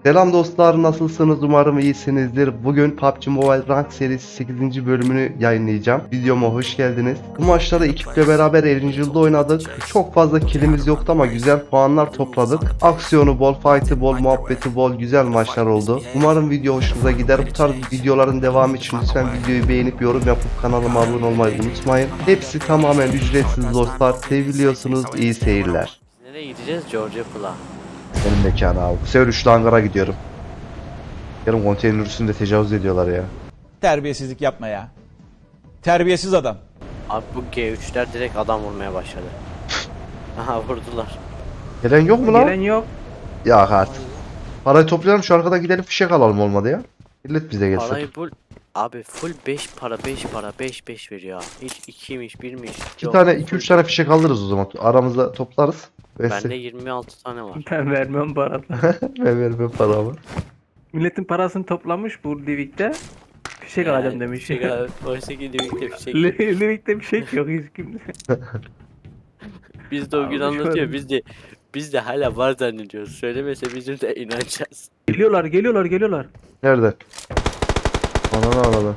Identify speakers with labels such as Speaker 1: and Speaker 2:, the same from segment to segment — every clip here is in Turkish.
Speaker 1: Selam dostlar, nasılsınız? Umarım iyisinizdir. Bugün PUBG Mobile Rank serisi 8. bölümünü yayınlayacağım. Videoma hoş geldiniz. Bu maçları ekiple beraber Erangel'da oynadık. Çok fazla killimiz yoktu ama güzel puanlar topladık. Aksiyonu bol, fight'ı bol, muhabbeti bol, güzel maçlar oldu. Umarım video hoşunuza gider. Bu tarz videoların devamı için lütfen videoyu beğenip yorum yapıp kanalıma abone olmayı unutmayın. Hepsi tamamen ücretsiz dostlar. Seviliyorsunuz. İyi seyirler.
Speaker 2: Nereye gideceğiz? Georgia Pula.
Speaker 1: Benim mekanı abi. Bu sefer üçlü hangara gidiyorum. Yarın konteyner üstünde tecavüz ediyorlar ya.
Speaker 3: Terbiyesizlik yapma ya. Terbiyesiz adam.
Speaker 2: Abi bu G3'ler direkt adam vurmaya başladı. Aha vurdular.
Speaker 1: Gelen yok mu lan?
Speaker 4: Gelen yok.
Speaker 1: Ya artık. Parayı toplayalım şu arkadan gidelim fişek alalım olmadı ya. Millet bize gelsin.
Speaker 2: Parayı bul. Abi full 5 para 5 para 5 5 veriyor. Hiç 2'ymiş 1'miş.
Speaker 1: 2 tane 2-3 tane fişek alırız o zaman. Aramızda toplarız.
Speaker 2: Bende 26 tane var.
Speaker 4: Ben vermem para.
Speaker 1: Ben vermem paramı.
Speaker 4: Milletin parasını toplamış bu Livik'te. Fişek alacağım demiş.
Speaker 2: Fişek al. Oysa ki Livik'te fişek.
Speaker 4: Livik'te fişek yok hiç kimde.
Speaker 2: Biz de o gün
Speaker 4: Abi
Speaker 2: anlatıyor.
Speaker 4: şöyle-
Speaker 2: Biz de hala var zannediyoruz. Söylemese bizim de inanacağız.
Speaker 4: Geliyorlar.
Speaker 1: Nerede? Ananı aradı.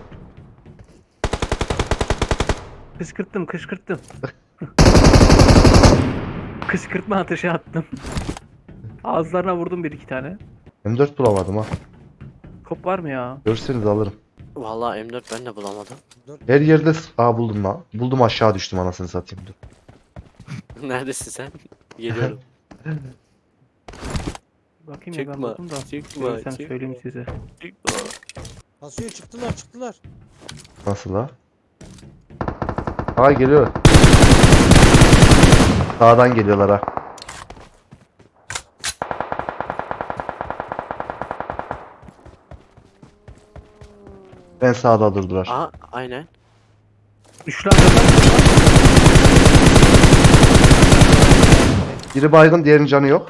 Speaker 4: Kışkırttım. Kışkırtma ateşi attım. Ağızlarına vurdum bir iki tane.
Speaker 1: M4 bulamadım ha.
Speaker 4: Kop var mı ya?
Speaker 1: Görürseniz alırım.
Speaker 2: Vallahi M4 ben de bulamadım.
Speaker 1: Her yerde... Aa buldum lan. Buldum aşağı düştüm anasını satayım. Dur.
Speaker 2: Neredesin sen? Geliyorum.
Speaker 4: Bakayım ya ben
Speaker 2: Çıkma,
Speaker 4: buldum da.
Speaker 2: çıkma,
Speaker 4: Görürsem
Speaker 2: çıkma.
Speaker 4: söyleyeyim size.
Speaker 5: Basıyor çıktılar.
Speaker 1: Nasıl la? Aa geliyor. Sağdan geliyorlar ha. Ben sağda durdular.
Speaker 2: Aha aynen.
Speaker 4: Üçlü arkadaşlar.
Speaker 1: Biri baygın, diğerinin canı yok.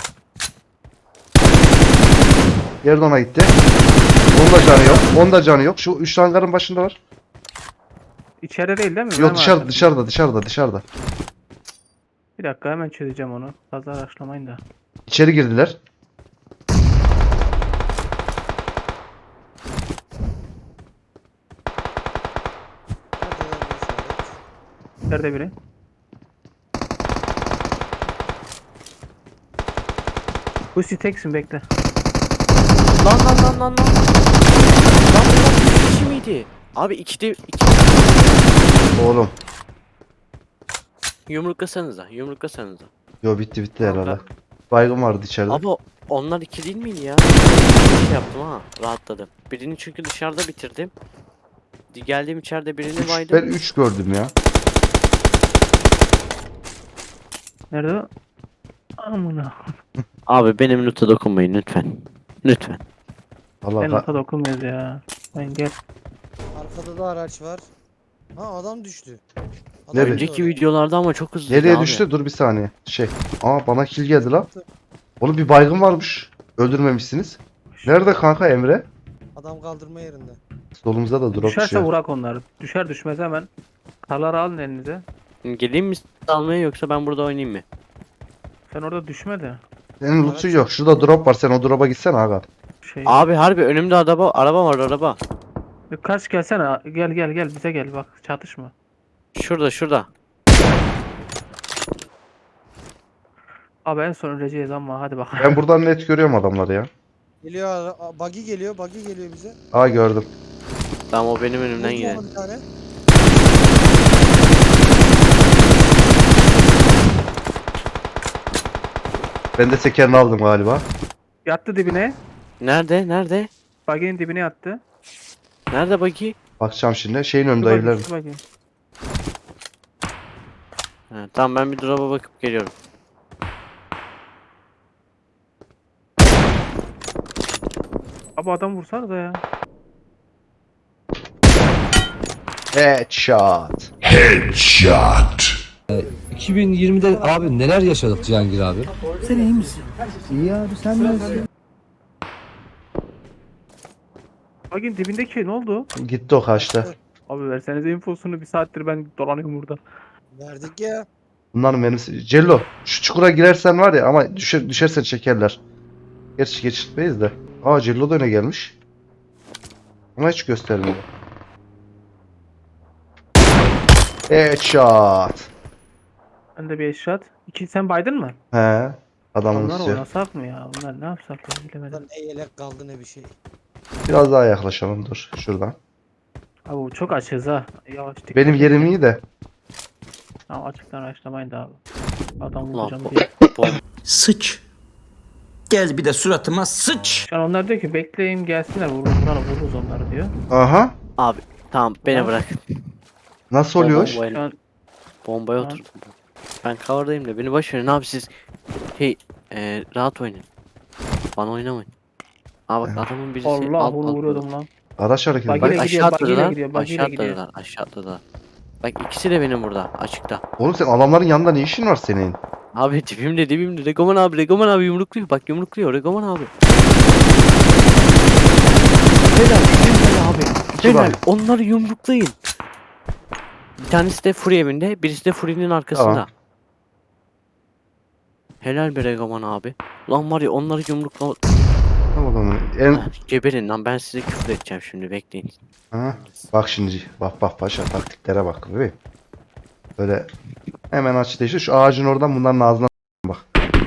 Speaker 1: Diğeri de ona gitti. Onun da canı yok. Onun da canı yok. Şu üç hangarın başındalar.
Speaker 4: İçeride değil mi?
Speaker 1: Yok
Speaker 4: Benim
Speaker 1: dışarıda.
Speaker 4: Bir dakika hemen çözeceğim onu. Fazla araştırmayın da.
Speaker 1: İçeri girdiler.
Speaker 4: Nerede biri? Husi teksin bekle.
Speaker 2: Lan. Lan bu kişi miydi? Abi iki
Speaker 1: Oğlum.
Speaker 2: yumruklasanıza.
Speaker 1: Yo bitti
Speaker 2: Tamam,
Speaker 1: herhalde. Baygın vardı içeride.
Speaker 2: Abi onlar iki değil miydi ya? Şey yaptım ha, rahatladım. Birini çünkü dışarıda bitirdim. Geldim içeride birini
Speaker 1: Ben
Speaker 2: baydım.
Speaker 1: 3 gördüm ya.
Speaker 4: Nerede o? Amına.
Speaker 2: Abi benim loot'a dokunmayın lütfen. Lütfen.
Speaker 1: Allah
Speaker 4: Ben nota dokunmuyoruz ya. Ben gel.
Speaker 5: Arkada da araç var. Ha adam düştü. Adam
Speaker 1: Nereye?
Speaker 2: Önceki videolarda ama çok hızlı
Speaker 1: nereye
Speaker 2: abi.
Speaker 1: düştü? Dur bir saniye. Aa bana kill geldi lan. Oğlum bir baygın varmış. Öldürmemişsiniz. Nerede kanka Emre?
Speaker 5: Adam kaldırma yerinde.
Speaker 1: Solumuzda da drop
Speaker 4: Düşerse
Speaker 1: düşüyor.
Speaker 4: vurak onları. Düşer düşmez hemen. Karları alın elinize.
Speaker 2: Geleyim mi almaya yoksa ben burada oynayayım mı?
Speaker 4: Sen orada düşme de.
Speaker 1: Senin loot'un yok. Şurada drop var. Sen o drop'a gitsene aga.
Speaker 4: Şey.
Speaker 2: Abi harbi önümde araba var araba.
Speaker 4: Kaç gelsene. Gel bize gel bak çatışma.
Speaker 2: Şurada.
Speaker 4: Abi en son öleceğiz ama hadi bakalım.
Speaker 1: Ben buradan net görüyorum adamları ya.
Speaker 5: Geliyor buggy geliyor bize.
Speaker 1: Aa gördüm.
Speaker 2: Tamam o benim önümden
Speaker 5: Vurdum
Speaker 2: gider.
Speaker 5: ona bir tane.
Speaker 1: Ben de tekerini aldım galiba.
Speaker 4: Yattı dibine.
Speaker 2: Nerede?
Speaker 4: Baginin dibine yattı.
Speaker 2: Nerede bakayım?
Speaker 1: Bakacağım şimdi. Şeyin önünde
Speaker 4: Şu bagi,
Speaker 1: evlerin.
Speaker 4: şu bagi.
Speaker 2: Ha, tamam ben bir drop'a bakıp geliyorum.
Speaker 4: Abi adam vursana da ya.
Speaker 1: Headshot.
Speaker 6: 2020'de abi neler yaşadık Cihangir abi?
Speaker 4: Baginin dibindeki ne oldu?
Speaker 1: Gitti o kaçtı.
Speaker 4: Abi versenize infosunu, bir saattir ben dolanıyorum burada.
Speaker 5: Verdik ya.
Speaker 1: Bunların menüsü. Cello şu çukura girersen var ya ama düşersen çekerler. Gerçi geçirtmeyiz de. Aa Cello da öne gelmiş. Ona hiç göstermiyor. Headshot.
Speaker 4: Ben de bir eşyat. İki sen baydın mı?
Speaker 1: He. Adamın
Speaker 4: Onlar
Speaker 1: üstü.
Speaker 4: oynasak mı ya? Bunlar ne yapsak ya bilemedim.
Speaker 5: Lan ne yelek kaldı ne bir şey.
Speaker 1: Biraz daha yaklaşalım dur şuradan.
Speaker 4: Abi bu çok açız ha. Yavaş dikkat
Speaker 1: Benim
Speaker 4: et
Speaker 1: yerim
Speaker 4: ya.
Speaker 1: iyi de.
Speaker 4: Tamam açıktan araştırmayın da abi. Adam
Speaker 2: Ulan
Speaker 4: vuracağım
Speaker 2: bu-
Speaker 4: diye.
Speaker 7: Sıç. Gel bir de suratıma sıç.
Speaker 4: Şu an onlar diyor ki bekleyin gelsinler vururuz onları diyor.
Speaker 1: Aha.
Speaker 2: Abi tamam beni
Speaker 4: Tamam.
Speaker 2: bırak.
Speaker 1: Nasıl oluyor?
Speaker 4: Şu
Speaker 2: Bombayla,
Speaker 4: an
Speaker 2: bombaya
Speaker 4: Tamam.
Speaker 2: oturdum. Ben cover'dayım da beni boş verin abi siz. Şey rahat oynayın. Bana oynamayın. Aa bak adamın birisi
Speaker 4: Allah vuruyordum lan.
Speaker 1: Araç hareketi.
Speaker 4: Bak
Speaker 1: Bak,
Speaker 4: yine
Speaker 2: Bak
Speaker 4: gidiyor,
Speaker 2: aşağı
Speaker 4: bak yine
Speaker 2: atladılar.
Speaker 4: gidiyor, bak yine
Speaker 2: Aşağı
Speaker 4: gidiyor.
Speaker 2: atladılar. Aşağı atladılar. Bak ikisi de benim burada açıkta.
Speaker 1: oğlum sen adamların yanında ne işin var senin?
Speaker 2: Abi dibimde. Regoman abi yumrukluyor. Bak yumrukluyor Regoman abi. Helal abi.
Speaker 1: İki
Speaker 2: Helal.
Speaker 1: var.
Speaker 2: Onları yumruklayın. Bir tanesi de Fury evinde. Birisi de Fury'nin arkasında.
Speaker 1: Tamam.
Speaker 2: Helal be Regoman abi. Lan var ya onları yumrukla...
Speaker 1: Tamam, en
Speaker 2: Geberin lan ben size küfür edeceğim şimdi bekleyin.
Speaker 1: ha, bak şimdi bak paşa taktiklere bak bebeğim. Böyle hemen aç değiştir şu ağacın oradan bunların ağzına bak.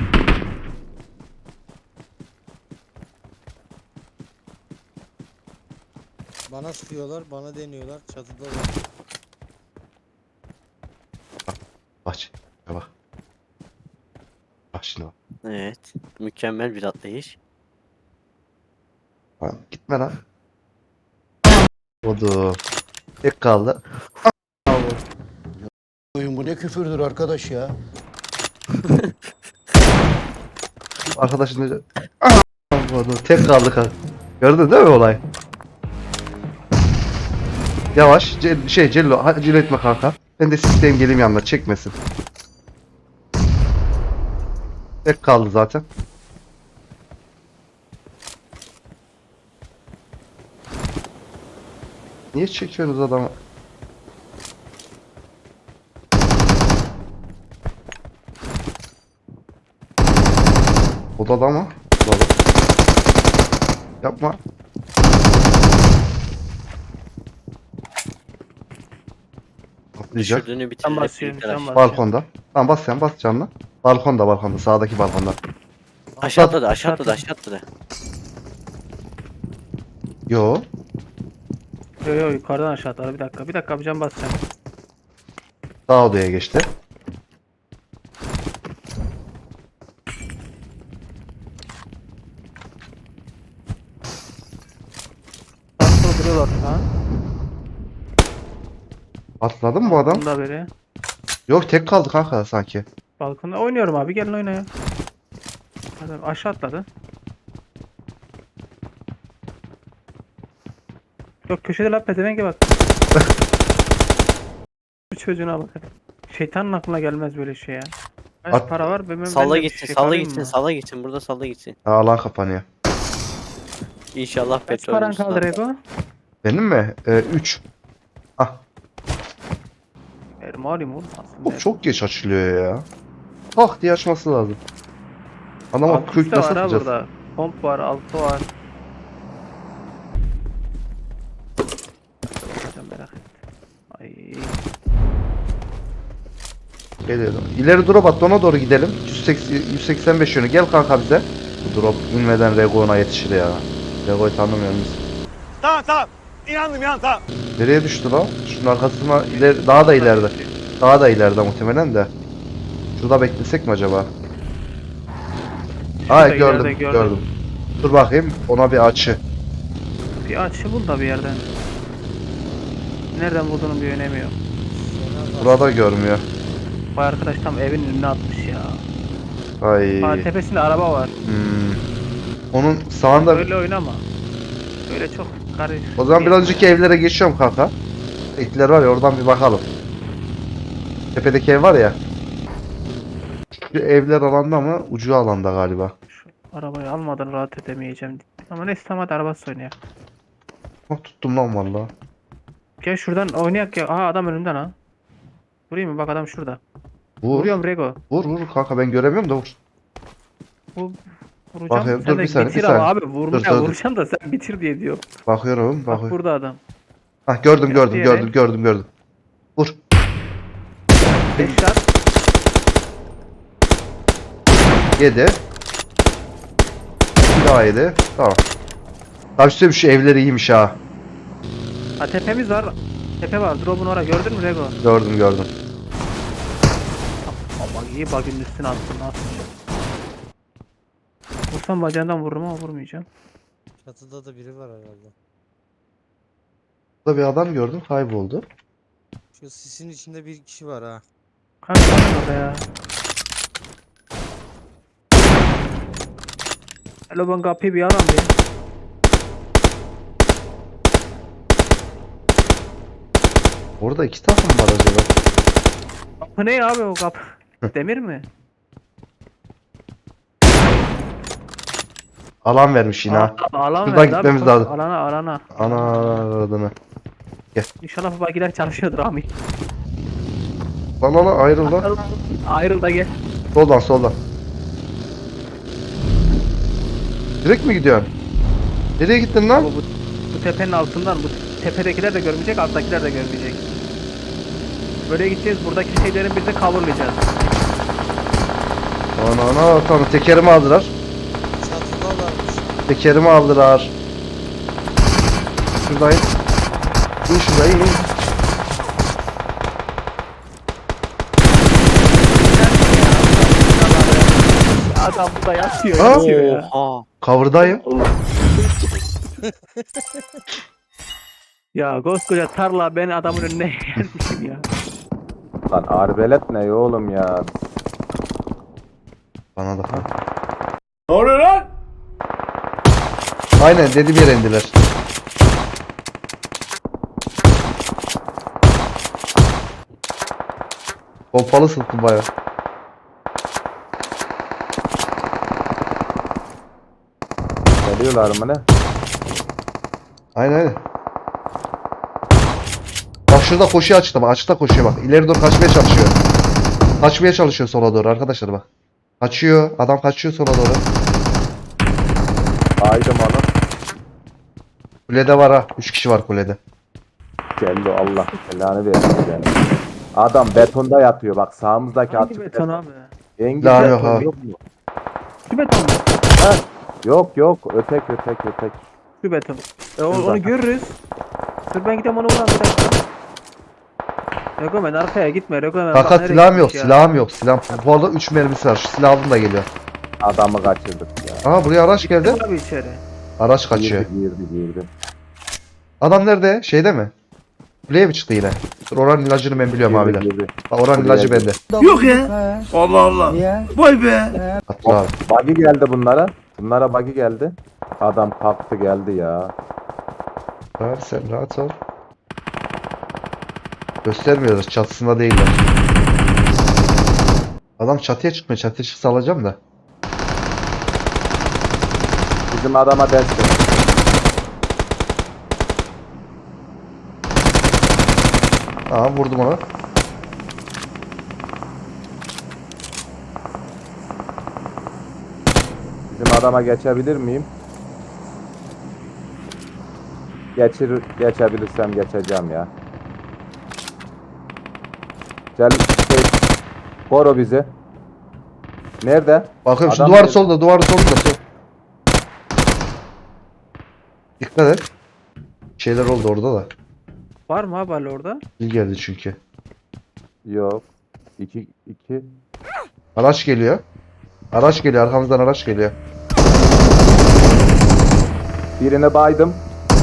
Speaker 5: Bana sıkıyorlar, bana deniyorlar. Çatıda var.
Speaker 1: Bak bak. Bak şimdi bak.
Speaker 2: Evet. Mükemmel bir atlayış.
Speaker 1: Lan gitme lan. Odu. Tek kaldı.
Speaker 7: Oyun bu ne küfürdür arkadaş ya.
Speaker 1: Arkadaşın da Odu. Tek kaldı kanka. Gördün değil mi olay? Yavaş. Cello acele etme kanka. Ben de sistem geleyim yanına çekmesin. Tek kaldı zaten. Niye çekiyorsunuz adamı? Odada mı? Odada. Yapma. Atlayacak.
Speaker 2: Düşürdüğünü
Speaker 4: Sen
Speaker 2: bitirecek.
Speaker 4: basıyorsun,
Speaker 2: bir
Speaker 4: sen
Speaker 2: tane.
Speaker 4: basıyorsun.
Speaker 1: Balkonda. Tamam bas sen bas canına. Balkonda sağdaki balkonda.
Speaker 2: Aşağı atladı.
Speaker 1: Yo.
Speaker 4: Yo yo yukarıdan aşağı atlar. Bir dakika bir can basacağım.
Speaker 1: Sağ odaya geçti.
Speaker 4: Aslında duruyorlar ha.
Speaker 1: Atladı mı bu adam?
Speaker 4: Bunda biri.
Speaker 1: Yok tek kaldı kanka sanki.
Speaker 4: Balkonda oynuyorum abi gelin oynayın. Adam aşağı atladı. Yok köşede lan pezevenge bak. Bu çocuğuna bak. Şeytanın aklına gelmez böyle şey ya. Kaç
Speaker 1: At-
Speaker 4: para var? Ben
Speaker 2: Salla
Speaker 4: de bir
Speaker 2: gitsin,
Speaker 4: şey
Speaker 2: salla
Speaker 4: alayım
Speaker 2: gitsin,
Speaker 4: mı?
Speaker 2: salla gitsin. Burada salla gitsin.
Speaker 1: Ha, alan kapanıyor.
Speaker 2: İnşallah
Speaker 4: Kaç
Speaker 2: petrol
Speaker 4: paran
Speaker 2: bulursun
Speaker 4: kaldı
Speaker 2: abi.
Speaker 4: Rego?
Speaker 1: Benim mi? 3. Ah.
Speaker 4: Verim alayım oğlum aslında.
Speaker 1: Çok geç açılıyor ya. Tak diye açması lazım. Adama
Speaker 4: Altı
Speaker 1: quick
Speaker 4: üstte
Speaker 1: nasıl
Speaker 4: var ha
Speaker 1: atacağız?
Speaker 4: burada. Pomp var, altı var. Sen merak et. Ay.
Speaker 1: Geliyorum. İleri drop attı ona doğru gidelim. 185 yönü. Gel kanka bize. Bu drop inmeden Rego'na yetişir ya. Rego'yu tanımıyor muyuz?
Speaker 8: Tamam. İnandım tamam.
Speaker 1: Nereye düştü lan? Şunun arkasına ileri, daha da ileride. Daha da ileride muhtemelen de. Şurada beklesek mi acaba?
Speaker 4: Şurada
Speaker 1: Ay gördüm,
Speaker 4: ileride
Speaker 1: gördüm. Dur bakayım ona bir açı.
Speaker 4: Bir açı bul da bir yerden. Nereden bulduğunun bir önemi yok.
Speaker 1: Burada görmüyor.
Speaker 4: Bu arkadaş tam evin önüne atmış ya.
Speaker 1: Ay.
Speaker 4: Ha, tepesinde araba var.
Speaker 1: Onun sağında.
Speaker 4: Öyle oynama. Öyle çok karışık.
Speaker 1: O zaman biraz önceki evlere geçiyorum kanka. Ekler var ya oradan bir bakalım. Tepedeki ev var ya. Şu evler alanda mı? Ucu alanda galiba.
Speaker 4: Şu arabayı almadan rahat edemeyeceğim. Ama neyse tamam hadi arabası oynayak.
Speaker 1: Oh, tuttum lan valla.
Speaker 4: Gel şuradan oynayak ya. Aha adam önümden ha. Vurayım mı? Bak adam şurada.
Speaker 1: Vur.
Speaker 4: Vuruyorum Rego.
Speaker 1: Vur kanka ben göremiyorum da vur.
Speaker 4: Bu Vuracağım.
Speaker 1: Bakıyorum,
Speaker 4: Sen
Speaker 1: dur
Speaker 4: de
Speaker 1: bir saniye,
Speaker 4: bitir
Speaker 1: bir
Speaker 4: ama
Speaker 1: saniye.
Speaker 4: abi.
Speaker 1: Dur.
Speaker 4: Vuracağım da sen bitir diye diyor.
Speaker 1: Bakıyorum,
Speaker 4: Bak
Speaker 1: bakıyorum.
Speaker 4: burada adam.
Speaker 1: Hah, gördüm.
Speaker 4: Yere.
Speaker 1: Vur.
Speaker 4: Headshot.
Speaker 1: 7. Bir daha 7. Tamam. Abi size şu evler iyiymiş ha.
Speaker 4: Ha tepemiz var. Tepe var. Drop'un oraya gördün mü Rego?
Speaker 1: Gördüm.
Speaker 4: Bak iyi bug'ın üstüne attın nasıl? Vursam bacağından vururum ama vurmayacağım.
Speaker 5: Çatıda da biri var herhalde.
Speaker 1: Burada bir adam gördüm, kayboldu.
Speaker 5: Şu sisin içinde bir kişi var ha.
Speaker 4: Kanka var orada ya. Hello ben kapıyı bir aram bir.
Speaker 1: Orada 2 takım var acaba.
Speaker 4: Kapı ne abi o kapı? Demir mi?
Speaker 1: Alan vermiş yine ha.
Speaker 4: Alan
Speaker 1: Şuradan
Speaker 4: verdi abi,
Speaker 1: gitmemiz
Speaker 4: koş.
Speaker 1: lazım.
Speaker 4: Alana.
Speaker 1: Ana adını.
Speaker 4: İnşallah bu bagiler çalışıyordur Ami.
Speaker 1: Lan ayrıl lan.
Speaker 4: Ayrıl da gel.
Speaker 1: Soldan. Direkt mi gidiyorsun? Nereye gittin lan?
Speaker 4: Ama bu tepenin altından bu tepedekiler de görmeyecek, alttakiler de görmeyecek. Böyle gideceğiz. Buradaki şeylerin biz de coverlayacağız.
Speaker 1: Ana tamam, tekerimi aldılar.
Speaker 5: Çatıdalarmış.
Speaker 1: Tekerimi aldılar. Şuradayım. İn şuraya in.
Speaker 4: Adam burada yatıyor,
Speaker 1: Ha?
Speaker 4: yatıyor ya.
Speaker 2: Oha.
Speaker 1: Cover'dayım.
Speaker 4: Ya koskoca tarla ben adamın önüne yermişim ya.
Speaker 9: Lan arbelet ne oğlum ya?
Speaker 1: Bana da.
Speaker 8: Ne oluyor lan?
Speaker 1: Aynen dediğim yere indiler. Pompalı sıktı baya.
Speaker 9: Geliyorlar mı ne?
Speaker 1: Aynen. Bak şurada koşuyor açıkta bak. Açıkta koşuyor bak. İleri doğru kaçmaya çalışıyor. Kaçmaya çalışıyor sola doğru arkadaşlar bak. Kaçıyor. Adam kaçıyor sola doğru.
Speaker 9: Aydım onu.
Speaker 1: Kulede var ha. 3 kişi var kulede.
Speaker 9: Geldi Allah belanı versin yani. Adam betonda yatıyor bak sağımızdaki
Speaker 4: Hangi
Speaker 9: açık
Speaker 4: beton abi?
Speaker 9: Engin
Speaker 1: Daha
Speaker 9: beton
Speaker 1: yok abi.
Speaker 9: yok mu?
Speaker 4: Şu beton mu?
Speaker 9: Yok ötek.
Speaker 4: Şu beton.
Speaker 9: Şurada.
Speaker 4: Onu görürüz. Dur ben gideyim onu vuran bir dakika. Regomen arkaya gitme Regomen.
Speaker 1: Fakat
Speaker 4: bak nereye
Speaker 1: silahım yok.
Speaker 4: gitmiş ya.
Speaker 1: Silahım yok. Bu arada 3 mermisi var. Şu silahım da geliyor.
Speaker 9: Adamı kaçırdık ya.
Speaker 1: Aha buraya araç geldi.
Speaker 4: Abi içeri.
Speaker 1: Araç kaçıyor.
Speaker 9: Girdi.
Speaker 1: Adam nerede? Şeyde mi? Kuleye mi çıktı yine? Dur, oranın ilacını ben biliyorum abiler.
Speaker 9: Girdi.
Speaker 1: Bak oranın
Speaker 9: Kuleye
Speaker 1: ilacı
Speaker 9: girdi.
Speaker 1: bende.
Speaker 8: Yok ya. Allah Allah. Vay be.
Speaker 1: Atla abi.
Speaker 9: Buggy geldi bunlara. Bunlara buggy geldi. Adam kalktı geldi ya.
Speaker 1: Abi sen rahat ol. Göstermiyoruz. Çatısında değiller. Adam çatıya çıkmıyor. Çatıya çıksa alacağım da.
Speaker 9: Bizim adama destek.
Speaker 1: Tamam vurdum onu.
Speaker 9: Bizim adama geçebilir miyim? Geçebilirsem geçeceğim ya. Gel koru bizi. Nerede?
Speaker 1: Bakıyorum şu
Speaker 9: Adam
Speaker 1: duvar
Speaker 9: nerede?
Speaker 1: solda. Duvar solda. Sol. Dikkat et. Şeyler oldu orada da.
Speaker 4: Var mı abi hala orada?
Speaker 1: Bil geldi çünkü.
Speaker 9: Yok. 2.
Speaker 1: Araç geliyor. Araç geliyor. Arkamızdan araç geliyor.
Speaker 9: Birine baydım.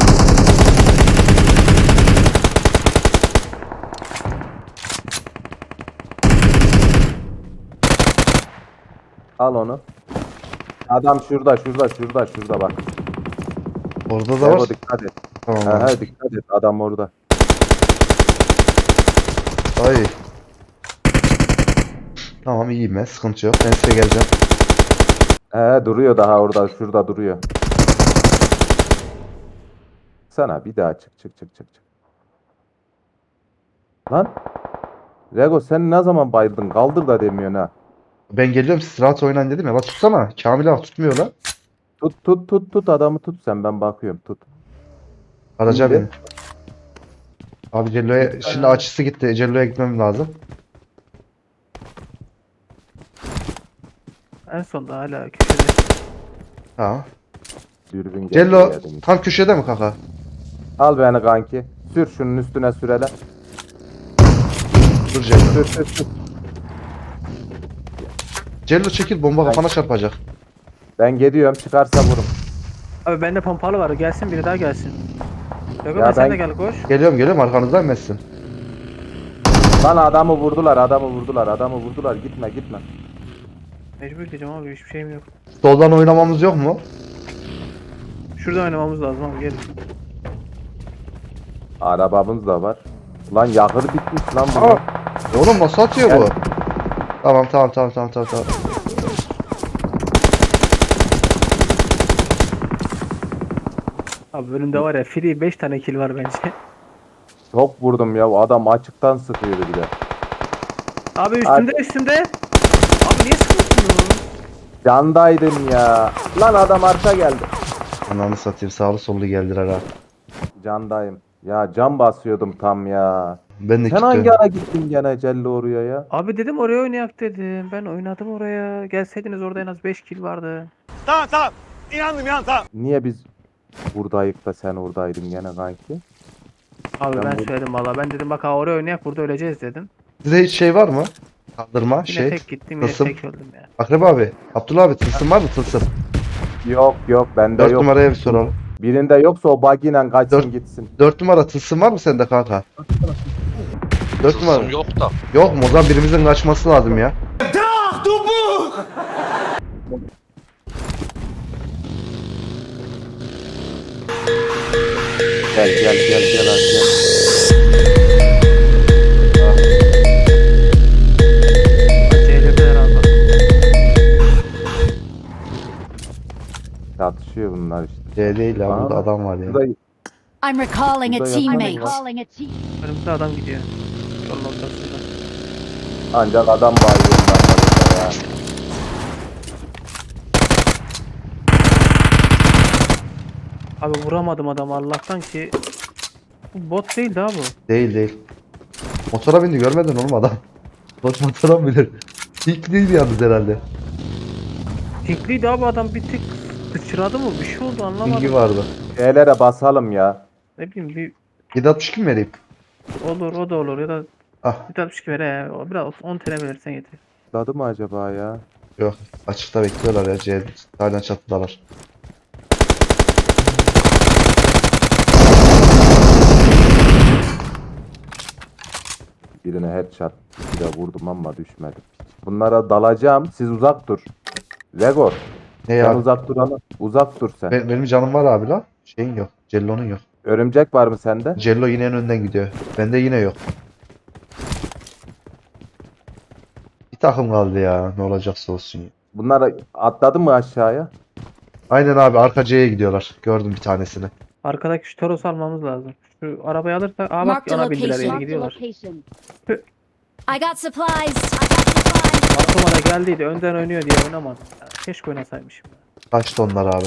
Speaker 9: Al onu. Adam şurada bak.
Speaker 1: Orada da
Speaker 9: Ego
Speaker 1: var.
Speaker 9: dikkat et.
Speaker 1: Tamam.
Speaker 9: He
Speaker 1: abi.
Speaker 9: he dikkat et adam orada.
Speaker 1: Ay. Tamam iyiyim ben. Sıkıntı yok. Ben size geleceğim.
Speaker 9: He duruyor daha orada şurada duruyor. Sana bir daha çık. Lan. Rego sen ne zaman bayıldın? Kaldır da demiyorsun ha.
Speaker 1: Ben geliyorum siz rahat oynayın dedim ya. La tutsana. Kamil abi tutmuyor la.
Speaker 9: Tut adamı tut sen, ben bakıyorum, tut.
Speaker 1: Araca
Speaker 9: İndi.
Speaker 1: beni. Abi Cello'ya şimdi açısı gitti. Cello'ya gitmem lazım.
Speaker 4: En sonda hala köşede.
Speaker 1: Tamam.
Speaker 9: Dürbün geldi
Speaker 1: Cello
Speaker 9: yerden.
Speaker 1: tam köşede mi kaka?
Speaker 9: Al beni kanki. Sür şunun üstüne sürele.
Speaker 1: Dur Cello.
Speaker 9: Sür.
Speaker 1: Cello çekil bomba kafana çarpacak.
Speaker 9: Ben gidiyorum, çıkarsa vurun.
Speaker 4: Abi bende pompalı var. Gelsin biri daha gelsin. Yok
Speaker 9: Ya
Speaker 4: sen
Speaker 9: ben-
Speaker 4: de gel koş.
Speaker 1: Geliyorum arkanızdan messin.
Speaker 9: Lan adamı vurdular. Gitme.
Speaker 4: Mecbur gideceğim abi, hiçbir şeyim yok.
Speaker 1: Soldan oynamamız yok mu?
Speaker 4: Şurada oynamamız lazım abi, gelin.
Speaker 9: Arabamız da var. Lan yakıt bitmiş lan bu.
Speaker 1: Aa! Oğlum nasıl atıyor bu?
Speaker 9: Gel.
Speaker 1: Tamam.
Speaker 4: Abi önümde var ya free 5 tane kill var bence.
Speaker 9: Çok vurdum ya, o adam açıktan sıkıyordu bir de.
Speaker 4: Abi üstümde. Abi niye sıkıyorsun?
Speaker 9: Candaydım ya. Lan adam arka geldi.
Speaker 1: Ananı satayım sağlı sollu geldiler ha.
Speaker 9: Candayım. Ya can basıyordum tam ya.
Speaker 1: Ben de
Speaker 9: Sen hangi
Speaker 1: kilitliyorum.
Speaker 9: ara gittin gene Cello oraya ya?
Speaker 4: Abi dedim oraya oynayak dedim. Ben oynadım oraya. Gelseydiniz orada en az 5 kill vardı.
Speaker 9: Niye biz buradayık da sen oradaydın gene kanki?
Speaker 4: Abi
Speaker 9: Ben
Speaker 4: ben
Speaker 9: bu-
Speaker 4: söyledim valla. Ben dedim bak ha oraya oynayak, burada öleceğiz dedim.
Speaker 1: Size hiç şey var mı? Kaldırma
Speaker 4: Yine
Speaker 1: şey.
Speaker 4: tek gittim, yine
Speaker 1: tılsım.
Speaker 4: tek öldüm ya.
Speaker 1: Akrep abi. Abdullah abi tılsım var mı tılsım?
Speaker 9: Yok bende
Speaker 1: 4
Speaker 9: yok.
Speaker 1: numaraya bir soralım.
Speaker 9: Birinde yoksa o bagiyle kaçsın
Speaker 1: Dört-
Speaker 9: gitsin.
Speaker 1: 4 numara tılsım var mı sende kanka? 4 numara.
Speaker 10: Yok da.
Speaker 1: Yok mu? O zaman birimizin kaçması lazım ya.
Speaker 9: Gel hadi gel.
Speaker 4: CLP'ler abi.
Speaker 9: Çatışıyor bunlar işte.
Speaker 1: C değil ya burada
Speaker 9: Aa,
Speaker 1: adam var ya.
Speaker 9: Burada
Speaker 11: I'm recalling a
Speaker 9: Burada
Speaker 11: teammate.
Speaker 9: yapan
Speaker 4: Önümüzde adam gidiyor. Yolun ortasında.
Speaker 9: ancak adam bayılıyor bunlar ya.
Speaker 4: Abi vuramadım adamı Allah'tan ki. Bu bot değil daha bu.
Speaker 1: Değil. Motora bindi görmedin oğlum adam. Bot motora mı bilir? İlk değil yalnız herhalde.
Speaker 4: Tinkliydi abi adam, bir tık sıçradı mı? Bir şey oldu
Speaker 1: Bilgi
Speaker 4: anlamadım.
Speaker 1: vardı.
Speaker 9: Şeylere basalım ya.
Speaker 4: Ne bileyim bir
Speaker 1: 762 mi vereyim?
Speaker 4: olur, o da olur ya da
Speaker 1: Ah
Speaker 4: bir tane bir ver ya. O biraz 10 TL verirsen yeter.
Speaker 9: Dadı mı acaba ya?
Speaker 1: yok. Açıkta bekliyorlar ya. C hala çatıdalar.
Speaker 9: Birine headshot bir de vurdum ama düşmedi. Bunlara dalacağım. Siz uzak dur. Legor.
Speaker 1: Ne
Speaker 9: Sen
Speaker 1: ya?
Speaker 9: uzak dur ama. Uzak dur sen.
Speaker 1: Benim canım var abi la. Şeyin yok. Cello'nun yok.
Speaker 9: Örümcek var mı sende?
Speaker 1: Cello yine en önden gidiyor. Bende yine yok. Bir takım kaldı ya. Ne olacaksa olsun ya.
Speaker 9: Bunlar atladı mı aşağıya?
Speaker 1: Aynen abi arka C'ye gidiyorlar. Gördüm bir tanesini.
Speaker 4: Arkadaki şu Toros'u almamız lazım. Şu arabayı alırsak aa bak
Speaker 11: Marked a
Speaker 4: ona bindiler,
Speaker 11: location.
Speaker 4: yere gidiyorlar.
Speaker 11: I got supplies.
Speaker 4: Aklıma da geldiydi önden oynuyor diye oynamadım. Ya, keşke oynasaymışım.
Speaker 1: Kaçtı onlar abi.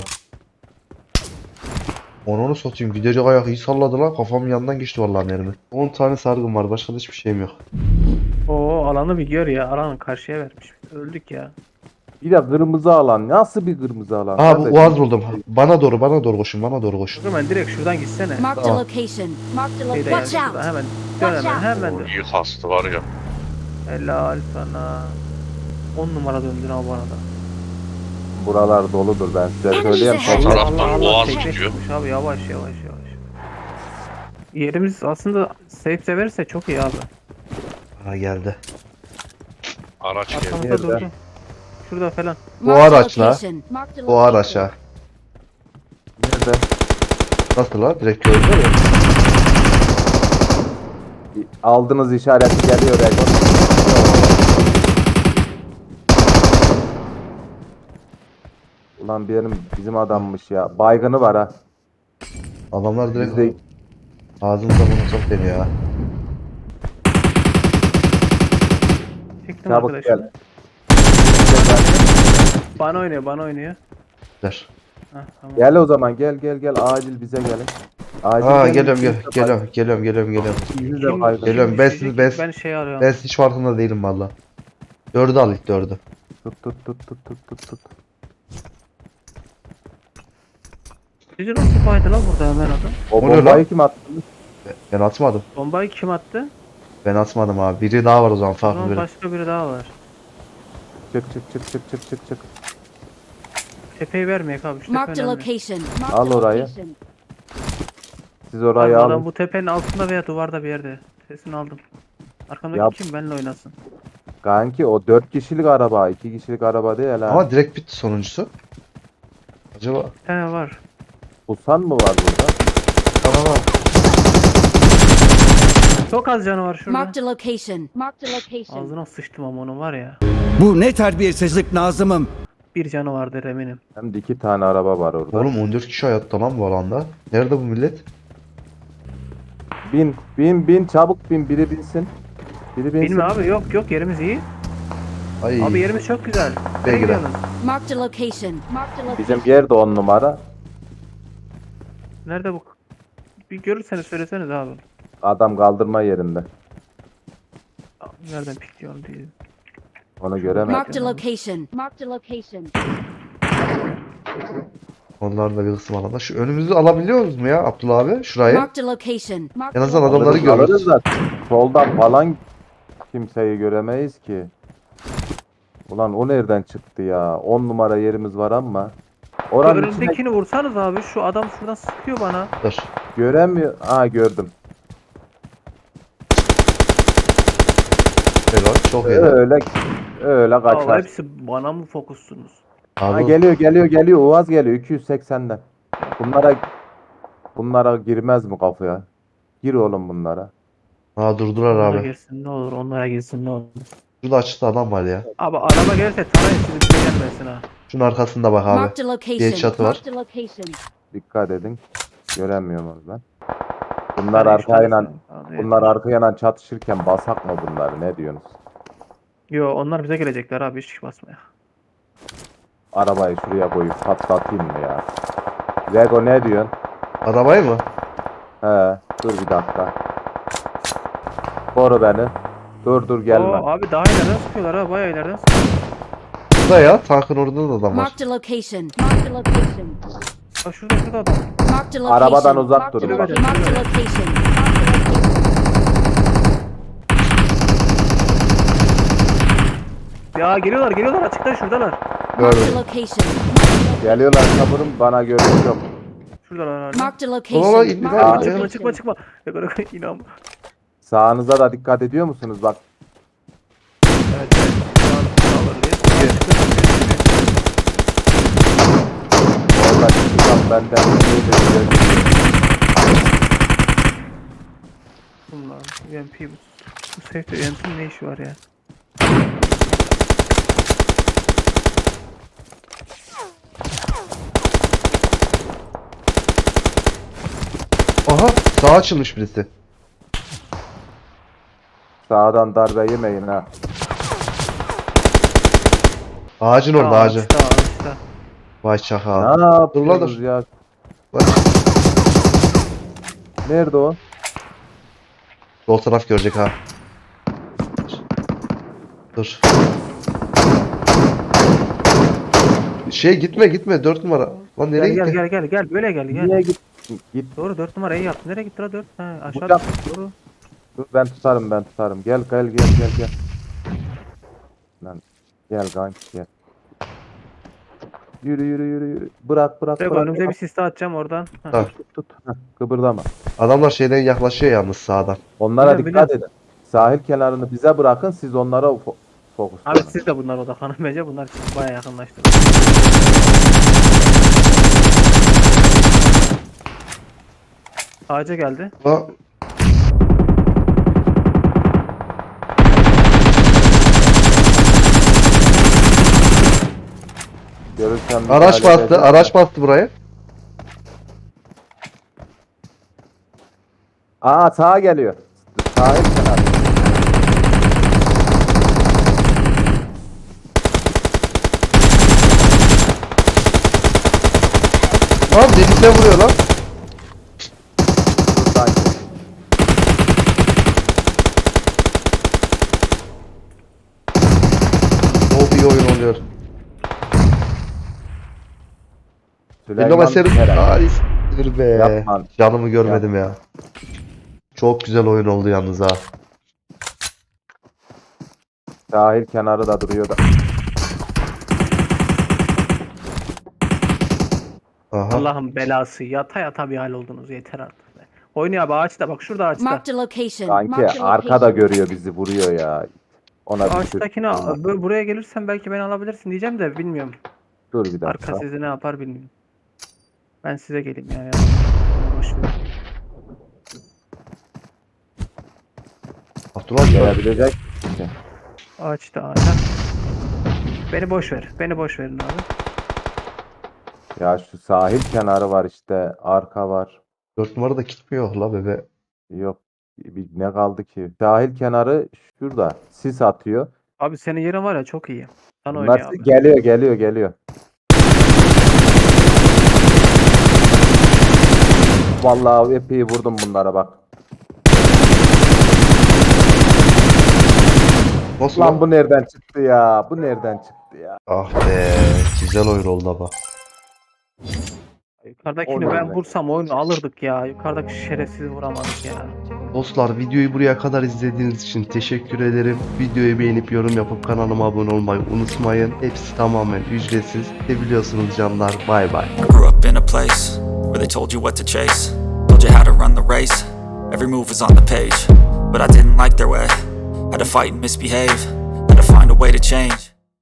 Speaker 1: Onu satayım. Gidecek ayak iyi salladı lan. Kafamın yanından geçti vallahi mermi. 10 tane sargım var. Başka da hiçbir şeyim yok.
Speaker 4: Oo alanı bir gör ya. Alanı karşıya vermiş. Öldük ya.
Speaker 9: Bir de kırmızı alan. Nasıl bir kırmızı alan?
Speaker 1: Aa bu
Speaker 9: Kardeşim?
Speaker 1: Uaz buldum. Bana doğru koşun. Bana doğru koşun.
Speaker 4: Hemen direkt şuradan gitsene.
Speaker 11: Marked a
Speaker 1: Tamam.
Speaker 11: location.
Speaker 4: Şeyde yani,
Speaker 11: Watch
Speaker 4: şurada
Speaker 11: out.
Speaker 4: hemen. Dön
Speaker 11: Watch
Speaker 4: hemen,
Speaker 11: out.
Speaker 4: hemen dön.
Speaker 10: İyi kastı var ya.
Speaker 4: Helal sana. 10 numara döndün abi bana da.
Speaker 9: Buralar doludur, ben size söyleyeyim.
Speaker 11: Enemies ahead.
Speaker 9: Sonra-
Speaker 10: Taraftan boğaz
Speaker 4: tekne
Speaker 10: gidiyor.
Speaker 4: çıkmış abi, yavaş. Yerimiz aslında safe verirse çok iyi abi.
Speaker 1: Aa geldi.
Speaker 10: Araç geldi.
Speaker 4: Arkamızda
Speaker 9: Nerede?
Speaker 4: durdu. Şurada falan.
Speaker 1: Bu
Speaker 11: Marked a
Speaker 1: araçla.
Speaker 11: location. Marked a
Speaker 1: O
Speaker 11: location.
Speaker 1: araça.
Speaker 9: Nerede?
Speaker 1: Nasıl la? Direkt gördü ya.
Speaker 9: Aldığınız işareti geliyor Egor. Ulan bizim adammış ya. Baygını var ha.
Speaker 1: Adamlar direkt
Speaker 9: Bizde
Speaker 1: ağzımıza bunu çok deniyor ha.
Speaker 4: Çektim
Speaker 9: çabuk
Speaker 4: arkadaşlar.
Speaker 9: gel.
Speaker 4: Bana oynuyor, bana oynuyor.
Speaker 1: Ver.
Speaker 4: Heh, tamam.
Speaker 9: Gel o zaman gel acil bize gelin. Acil
Speaker 1: Aa
Speaker 9: gelin,
Speaker 1: geliyorum
Speaker 9: siz de
Speaker 1: geliyorum.
Speaker 9: Sizi de kaybedin.
Speaker 1: Geliyorum.
Speaker 4: Düşecek,
Speaker 1: Ben
Speaker 4: ben şey arıyorum.
Speaker 1: ben hiç farkında değilim valla. 4'ü al ilk 4'ü.
Speaker 9: Tut.
Speaker 4: Sizce nasıl baydı lan burada hemen adam?
Speaker 9: O
Speaker 1: O ne
Speaker 9: bombayı
Speaker 1: lan?
Speaker 9: kim attı?
Speaker 1: Ben atmadım.
Speaker 4: Bombayı kim attı?
Speaker 1: Ben atmadım abi. Biri daha var o zaman
Speaker 4: O
Speaker 1: farklı
Speaker 4: zaman
Speaker 1: biri.
Speaker 4: başka biri daha var.
Speaker 9: Çık.
Speaker 4: Tepeyi vermeyek abi. Şu
Speaker 11: Marked
Speaker 4: tepe
Speaker 11: a
Speaker 4: önemli.
Speaker 11: location.
Speaker 9: Al
Speaker 11: Marked a
Speaker 9: orayı.
Speaker 11: location.
Speaker 9: Siz orayı
Speaker 4: Abi adam
Speaker 9: alın.
Speaker 4: bu tepenin altında veya duvarda bir yerde. Sesini aldım. Arkamdaki
Speaker 9: Yap.
Speaker 4: kim benimle oynasın?
Speaker 9: Kanki o 4 kişilik araba, 2 kişilik araba değil ha.
Speaker 1: Ama direkt bitti sonuncusu. Acaba
Speaker 4: Bir tane var.
Speaker 9: Pusan mı var burada?
Speaker 1: tamam.
Speaker 4: Çok az canı var şurada.
Speaker 11: Marked a location. Marked a location.
Speaker 4: Ağzına sıçtım ama onun var ya.
Speaker 7: Bu ne terbiyesizlik Nazım'ım.
Speaker 4: Bir canı vardır eminim.
Speaker 9: Hem de 2 tane araba var orada.
Speaker 1: Oğlum 14 kişi hayatta lan bu alanda. Nerede bu millet?
Speaker 9: Bin çabuk bin, biri binsin. Biri binsin.
Speaker 4: Benim abi yok yerimiz iyi.
Speaker 1: Ay.
Speaker 4: Abi yerimiz çok güzel.
Speaker 1: Ben
Speaker 4: Nereye
Speaker 1: girerim.
Speaker 4: gidiyorsunuz?
Speaker 11: Marked a location. Marked a location.
Speaker 9: Bizim yer de 10 numara.
Speaker 4: Nerede bu? Bir görürseniz söyleseniz abi.
Speaker 9: Adam kaldırma yerinde.
Speaker 4: Abi nereden pikliyorum diye.
Speaker 9: Onu göremedim.
Speaker 11: Marked a location. Marked a location.
Speaker 1: Onlar da bir kısım alanda. Şu önümüzü alabiliyoruz mu ya Abdullah abi? Şurayı.
Speaker 11: Marked a location. Marked
Speaker 1: En
Speaker 11: a
Speaker 1: azından
Speaker 11: location.
Speaker 1: adamları görürüz.
Speaker 9: Alırız da soldan falan kimseyi göremeyiz ki. Ulan o nereden çıktı ya? 10 numara yerimiz var ama. Oranın içine
Speaker 4: Önündekini vursanız abi şu adam şuradan sıkıyor bana.
Speaker 1: Dur.
Speaker 9: göremiyor. Aa gördüm.
Speaker 1: Helal. Çok iyi.
Speaker 9: Öyle
Speaker 4: Abi
Speaker 9: kaçar.
Speaker 4: hepsi bana mı fokussunuz?
Speaker 9: Ha,
Speaker 1: Abi
Speaker 9: geliyor. Uaz geliyor 280'den. Bunlara girmez mi kafaya? Gir oğlum bunlara.
Speaker 1: ha durdular
Speaker 4: Onlara
Speaker 1: abi.
Speaker 4: girsin ne olur, onlara girsin ne olur.
Speaker 1: Şurada açıkta adam var ya.
Speaker 4: Abi araba gelirse tanıyın sizi bize gelmesin ha.
Speaker 1: Şunun arkasında bak abi.
Speaker 11: Marked a
Speaker 1: Bir
Speaker 11: location.
Speaker 1: çatı var.
Speaker 11: Marked a location.
Speaker 9: Dikkat edin. Göremiyorum onu ben. Bunlar
Speaker 4: Hadi şu
Speaker 9: arkayla
Speaker 4: arası. Abi,
Speaker 9: bunlar arkayla çatışırken basak mı bunları? Ne diyorsunuz?
Speaker 4: Yo onlar bize gelecekler abi hiç basmaya.
Speaker 9: Arabayı şuraya koyup patlatayım mı ya? Lego ne diyorsun?
Speaker 1: Arabayı mı?
Speaker 9: He, dur bir dakika. Koru beni. Dur gelme.
Speaker 4: Oo, abi daha ileriden sıkıyorlar ha bayağı ileriden sıkıyorlar.
Speaker 1: Burada ya. Tankın orada da adam var.
Speaker 11: Marked a location. Marked a location.
Speaker 4: Bak şurada adam.
Speaker 11: Marked a location.
Speaker 9: Arabadan uzak
Speaker 11: Marked a
Speaker 9: durun.
Speaker 11: location. Marked a location. Marked a location.
Speaker 4: Ya geliyorlar açıktan şuradalar.
Speaker 11: Marked
Speaker 1: Gördüm.
Speaker 11: a location.
Speaker 9: Geliyorlar kaburum bana görüş yok.
Speaker 4: Şuradalar hala.
Speaker 11: Marked a
Speaker 1: Baba,
Speaker 11: location.
Speaker 1: indi
Speaker 11: Marked
Speaker 1: lan,
Speaker 11: a
Speaker 1: çıkma,
Speaker 11: location.
Speaker 4: Çıkma. İnan.
Speaker 9: Sağınıza da dikkat ediyor musunuz? Bak
Speaker 4: Evet. Sağlar diye.
Speaker 9: orada çıkan benden
Speaker 4: Bunlar UMP bu safe'de UMP'nin ne işi var ya?
Speaker 1: Aha. Sağa açılmış birisi.
Speaker 9: Sağdan darbe yemeyin ha.
Speaker 1: Ağacın orada ağacı.
Speaker 4: Ağaçta.
Speaker 1: Vay çakal.
Speaker 9: Ne
Speaker 1: Dur lan
Speaker 9: yapıyorsunuz
Speaker 1: dur.
Speaker 9: ya?
Speaker 1: Bak.
Speaker 9: Nerede o?
Speaker 1: Sol taraf görecek ha. Dur. Gitme 4 numara. Lan nereye gitti?
Speaker 4: Gel böyle gel.
Speaker 9: Niye git?
Speaker 4: Doğru 4 numara iyi yaptı. Nereye gitti la 4? Ha aşağı
Speaker 9: Uçak.
Speaker 4: düştü, doğru.
Speaker 9: Dur ben tutarım. Gel. Lan gel kanki gel. Yürü. Bırak.
Speaker 4: Bak önümüze bir siste atacağım oradan. Ha.
Speaker 1: Ha.
Speaker 9: Tut. Heh, kıpırdama.
Speaker 1: Adamlar şeyden yaklaşıyor yalnız sağdan.
Speaker 9: Onlara
Speaker 4: Biliyorum,
Speaker 9: dikkat edin. Sahil kenarını bize bırakın, siz onlara fokus.
Speaker 4: Abi siz de bunlara odaklanın bence. Bunlar bayağı yakınlaştı. Ağaca geldi.
Speaker 1: Ha,
Speaker 9: Görürsen
Speaker 1: araç
Speaker 9: müdahale
Speaker 1: bastı.
Speaker 9: edin.
Speaker 1: Araç bastı buraya.
Speaker 9: Aa sağa geliyor. Sahil kenarı.
Speaker 1: Lan denize vuruyor lan.
Speaker 9: Sanki.
Speaker 1: Çok iyi oyun oluyor.
Speaker 9: Süleyman
Speaker 1: Meser
Speaker 9: Eren.
Speaker 1: harikasıdır be.
Speaker 9: Yapma.
Speaker 1: Canımı görmedim ya. Çok güzel oyun oldu yalnız ha.
Speaker 9: Sahil kenarı da duruyor da.
Speaker 1: Aha.
Speaker 4: Allah'ın belası. Yata yata bir hal oldunuz. Yeter artık. Be. Oynuyor abi ağaçta. Bak şurada ağaçta.
Speaker 11: Marked a location.
Speaker 9: Sanki
Speaker 11: Marked a
Speaker 9: arkada
Speaker 11: location.
Speaker 9: görüyor bizi vuruyor ya. Ona bir
Speaker 4: Ağaçtakine buraya gelirsen belki beni alabilirsin diyeceğim de bilmiyorum.
Speaker 9: dur bir dakika.
Speaker 4: Arka sizi ne yapar bilmiyorum. Ben size geleyim yani. Boş ver.
Speaker 1: Abdullah
Speaker 9: Gelebilecek.
Speaker 4: Ağaçta ağaçta. Beni boş ver. Beni boş verin abi.
Speaker 9: Ya şu sahil kenarı var işte. Arka var.
Speaker 1: 4 numarada gitmiyor la bebe.
Speaker 9: Yok. Ne kaldı ki? Sahil kenarı şurada. Sis atıyor.
Speaker 4: Abi senin yerin var ya çok iyi. Sen
Speaker 9: Bunlar
Speaker 4: oynuyor abi.
Speaker 9: geliyor. Vallahi epey vurdum bunlara bak.
Speaker 1: Nasıl
Speaker 9: Lan
Speaker 1: lan?
Speaker 9: bu nereden çıktı ya? Bu nereden çıktı ya?
Speaker 1: Ah be. Güzel oyun oldu ama.
Speaker 4: Yukarıdakini
Speaker 9: Oynuyor
Speaker 4: ben
Speaker 9: be.
Speaker 4: vursam oyunu alırdık ya. Yukarıdaki şerefsizi vuramadık ya.
Speaker 1: Dostlar videoyu buraya kadar izlediğiniz için teşekkür ederim. Videoyu beğenip yorum yapıp kanalıma abone olmayı unutmayın. Hepsi tamamen ücretsiz. Biliyorsunuz canlar. Bay bay.
Speaker 7: I grew up in a place where they told you what to chase, told you how to run the race. Every move was on the page, but I didn't like their way. Had to fight and misbehave, had to find a way to change.